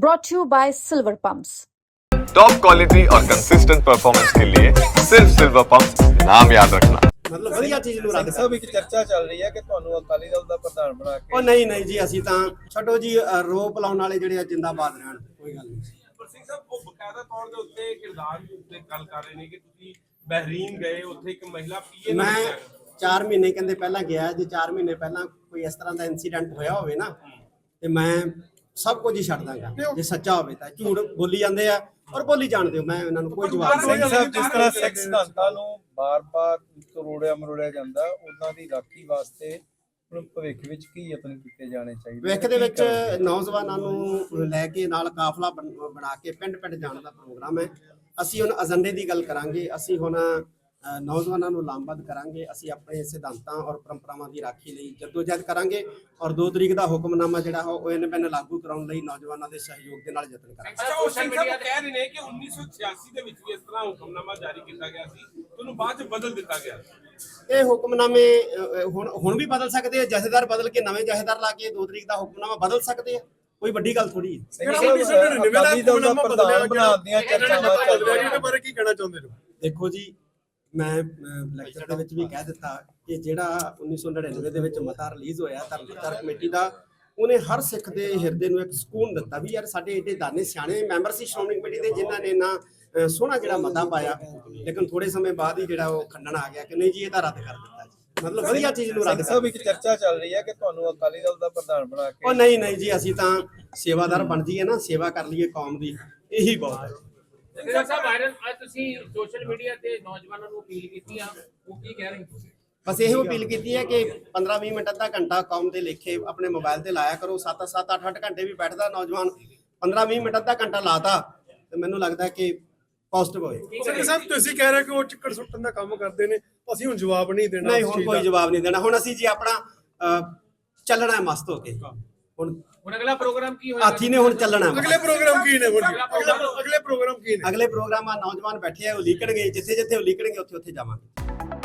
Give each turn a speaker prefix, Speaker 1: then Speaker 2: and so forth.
Speaker 1: brought to you by Silver Pumps.
Speaker 2: Top quality और consistent performance के लिए सिर्फ सिल्वर पंप नाम याद रखना।
Speaker 3: ਮਤਲਬ ਵਧੀਆ ਚੀਜ਼ ਨੂੰ ਰੱਦ
Speaker 4: ਸਭ ਇੱਕ ਚਰਚਾ ਚੱਲ ਰਹੀ ਹੈ ਕਿ ਤੁਹਾਨੂੰ ਅਕਾਲੀ ਦਲ ਦਾ ਪ੍ਰਧਾਨ ਬਣਾ ਕੇ
Speaker 3: ਉਹ ਨਹੀਂ ਜੀ ਅਸੀਂ ਤਾਂ ਛੱਡੋ ਜੀ ਰੋਪ ਲਾਉਣ ਵਾਲੇ ਜਿਹੜੇ ਆ ਜਿੰਦਾਬਾਦ ਰਹਿਣ ਕੋਈ ਗੱਲ ਨਹੀਂ।
Speaker 5: ਪਰ ਸਿੰਘ ਸਾਹਿਬ ਉਹ ਬਕਾਇਦਾ ਤੌਰ ਦੇ ਉੱਤੇ ਕਿਰਦਾਰ ਦੇ ਉੱਤੇ ਗੱਲ ਕਰ ਰਹੇ ਨੇ ਕਿ ਤੁਸੀਂ ਬਹਿਰੀਨ ਗਏ, ਉੱਥੇ ਇੱਕ ਮਹਿਲਾ ਪੀਏ
Speaker 3: ਮੈਂ 4 ਮਹੀਨੇ ਕਹਿੰਦੇ ਪਹਿਲਾਂ ਗਿਆ, ਜੇ 4 ਮਹੀਨੇ ਪਹਿਲਾਂ ਕੋਈ ਇਸ ਤਰ੍ਹਾਂ ਦਾ ਇਨਸੀਡੈਂਟ ਹੋਇਆ ਹੋਵੇ ਨਾ ਤੇ ਮੈਂ ਸਭ ਕੁਝ ਹੀ ਛੱਡ ਦਾਂਗਾ ਜੇ ਸੱਚਾ ਹੋਵੇ ਤਾਂ। ਝੂਠ ਬੋਲੀ ਜਾਂਦੇ ਆ ਔਰ ਬੋਲੀ ਜਾਣਦੇ ਹੋ, ਮੈਂ ਇਹਨਾਂ ਨੂੰ ਕੋਈ ਜਵਾਬ ਨਹੀਂ।
Speaker 4: ਸਿੰਘ ਸਾਹਿਬ ਜਿਸ ਤਰ੍ਹਾਂ ਸਿੱਖ ਸਿਧਾਂਤਾਂ ਨੂੰ ਬਾਰ-ਬਾਰ ਮਰੋੜਿਆ ਜਾਂਦਾ, ਉਹਨਾਂ ਦੀ ਰਾਖੀ ਵਾਸਤੇ ਹੁਣ ਭਵਿੱਖ ਵਿੱਚ ਕੀ ਯਤਨ ਕੀਤੇ ਜਾਣੇ ਚਾਹੀਦੇ?
Speaker 3: ਭਵਿੱਖ ਦੇ ਵਿੱਚ ਨੌਜਵਾਨਾਂ ਨੂੰ ਲੈ ਕੇ ਨਾਲ ਕਾਫਲਾ ਬਣਾ ਕੇ ਪਿੰਡ ਜਾਣ ਦਾ ਪ੍ਰੋਗਰਾਮ ਹੈ। ਅਸੀਂ ਹੁਣ ਏਜੰਡੇ ਦੀ ਗੱਲ ਕਰਾਂਗੇ, ਅਸੀਂ ਹੁਣ ਨੌਜਵਾਨਾਂ ਨੂੰ ਲਾਮਬੱਧ ਕਰਾਂਗੇ, ਅਸੀਂ ਆਪਣੇ ਸਿਧਾਂਤਾਂ ਔਰ ਪਰੰਪਰਾਵਾਂ ਦੀ ਰਾਖੀ ਲਈ ਜਦੋਜਹਿਦ ਕਰਾਂਗੇ ਔਰ 2 ਤਰੀਕ ਦਾ ਹੁਕਮਨਾਮਾ ਜਿਹੜਾ ਉਹ ਇਹਨੇ ਲਾਗੂ ਕਰਾਉਣ ਲਈ ਨੌਜਵਾਨਾਂ ਦੇ ਸਹਿਯੋਗ ਦੇ ਨਾਲ ਯਤਨ ਕਰਾਂਗੇ।
Speaker 5: ਅੱਛਾ, ਸੋਸ਼ਲ ਮੀਡੀਆ ਤੇ ਕਹਿ ਰਹੇ ਨੇ ਕਿ 1986 ਦੇ ਵਿੱਚ ਵੀ ਇਸ ਤਰ੍ਹਾਂ ਹੁਕਮਨਾਮਾ ਜਾਰੀ ਕੀਤਾ ਗਿਆ ਸੀ, ਤੁਹਾਨੂੰ ਬਾਅਦ ਚ ਬਦਲ ਦਿੱਤਾ ਗਿਆ।
Speaker 3: ਇਹ ਹੁਕਮਨਾਮੇ ਹੁਣ ਵੀ ਬਦਲ ਸਕਦੇ ਆ, ਜਥੇਦਾਰ ਬਦਲ ਕੇ ਨਵੇਂ ਜਥੇਦਾਰ ਲਾ ਕੇ 2 ਤਰੀਕ ਦਾ ਹੁਕਮਨਾਮਾ ਬਦਲ ਸਕਦੇ ਆ, ਕੋਈ ਵੱਡੀ ਗੱਲ ਥੋੜੀ ਹੈ।
Speaker 4: ਅਕਾਲੀ ਦਲ ਦਾ ਪ੍ਰਧਾਨ ਬਣਾਉਣ ਦੀਆਂ ਚਰਚਾਵਾਂ ਚੱਲ ਰਹੀਆਂ ਨੇ,
Speaker 6: ਬਾਰੇ ਕੀ ਕਹਿਣਾ ਚਾਹੁੰਦੇ ਹੋ?
Speaker 3: ਦੇਖੋ ਜੀ, ਮੈਂ ਲੈਕਚਰ ਦੇ ਵਿੱਚ ਵੀ ਕਹਿ ਦਿੱਤਾ ਕਿ ਜਿਹੜਾ 1999 ਦੇ ਵਿੱਚ ਮਤਾ ਰਿਲੀਜ਼ ਹੋਇਆ ਧਰਮ ਪ੍ਰਚਾਰ ਕਮੇਟੀ ਦਾ, ਉਹਨੇ ਹਰ ਸਿੱਖ ਦੇ ਹਿਰਦੇ ਨੂੰ ਇੱਕ ਸਕੂਨ ਦਿੱਤਾ ਵੀ ਯਾਰ ਸਾਡੇ ਏਡੇ ਦਾਨੇ ਸਿਆਣੇ ਮੈਂਬਰ ਸੀ ਸ਼੍ਰੋਮਣੀ ਕਮੇਟੀ ਦੇ ਜਿਨ੍ਹਾਂ ਨੇ ਨਾ ਸੋਹਣਾ ਜਿਹੜਾ ਮਤਾ ਪਾਇਆ, ਲੇਕਿਨ ਥੋੜੇ ਸਮੇਂ ਬਾਅਦ ਹੀ ਜਿਹੜਾ ਉਹ ਖੰਡਨ ਆ ਗਿਆ ਕਿ ਨਹੀਂ ਜੀ ਇਹ ਤਾਂ ਰੱਦ ਕਰ ਦਿੱਤਾ ਜੀ। ਮਤਲਬ ਵਧੀਆ ਚੀਜ਼ ਨੂੰ ਰੱਦ
Speaker 4: ਸਭ ਇੱਕ ਚਰਚਾ ਚੱਲ ਰਹੀ ਹੈ ਕਿ ਤੁਹਾਨੂੰ ਅਕਾਲੀ ਦਲ ਦਾ ਪ੍ਰਧਾਨ ਬਣਾ ਕੇ
Speaker 3: ਉਹ ਨਹੀਂ ਜੀ ਅਸੀਂ ਤਾਂ ਸੇਵਾਦਾਰ ਬਣ ਜਾਈਏ ਨਾ, ਸੇਵਾ ਕਰ ਲਈਏ ਕੌਮ ਦੀ, ਇਹੀ ਬਹੁਤ ਹੈ।
Speaker 7: ਸਿੰਘ ਸਾਹਿਬ ਵਾਇਰਲ ਅੱਜ ਤੁਸੀਂ ਸੋਸ਼ਲ ਮੀਡੀਆ ਤੇ ਨੌਜਵਾਨਾਂ ਨੂੰ ਅਪੀਲ ਕੀਤੀ ਆ, ਉਹ ਕੀ ਕਹਿ ਰਹੇ ਹੋ?
Speaker 3: ਬਸ ਇਹੋ ਅਪੀਲ ਕੀਤੀ ਹੈ ਕਿ 15-20 ਮਿੰਟ ਅੱਧਾ ਘੰਟਾ ਕੌਮ ਦੇ ਲੇਖੇ ਆਪਣੇ ਮੋਬਾਈਲ ਤੇ ਲਾਇਆ ਕਰੋ। 7-7 8-8 ਘੰਟੇ ਵੀ ਬੈਠਦਾ ਨੌਜਵਾਨ, 15-20 ਮਿੰਟ ਅੱਧਾ ਘੰਟਾ ਲਾਤਾ ਤੇ ਮੈਨੂੰ ਲੱਗਦਾ ਕਿ ਪੋਜ਼ਿਟਿਵ ਹੋਏ।
Speaker 6: ਸਿੰਘ ਸਾਹਿਬ ਤੁਸੀਂ ਕਹਿ ਰਹੇ ਕਿ ਉਹ ਚਿੱਕੜ ਸੁੱਟਣ ਦਾ ਕੰਮ ਕਰਦੇ ਨੇ, ਅਸੀਂ ਹੁਣ ਜਵਾਬ ਨਹੀਂ ਦੇਣਾ।
Speaker 3: ਨਹੀਂ, ਹੁਣ ਕੋਈ ਜਵਾਬ ਨਹੀਂ ਦੇਣਾ। ਹੁਣ ਅਸੀਂ ਜੀ ਆਪਣਾ ਚੱਲਣਾ ਹੈ ਮਸਤ ਹੋ ਕੇ।
Speaker 7: ਹੁਣ ਅਗਲਾ ਪ੍ਰੋਗਰਾਮ ਕੀ ਹੋਏਗਾ?
Speaker 3: ਹਾਥੀ ਨੇ ਹੁਣ ਚੱਲਣਾ ਹੈ।
Speaker 6: ਅਗਲੇ ਪ੍ਰੋਗਰਾਮ ਕੀ ਨੇ? ਅਗਲੇ ਪ੍ਰੋਗਰਾਮ ਕੀ ਨੇ?
Speaker 3: ਅਗਲੇ ਪ੍ਰੋਗਰਾਮ ਆ ਨੌਜਵਾਨ ਬੈਠੇ ਆ, ਉਹ ਲੀਕਣਗੇ, ਜਿੱਥੇ ਉਹ ਲੀਕਣਗੇ ਉੱਥੇ ਜਾਵਾਂਗੇ।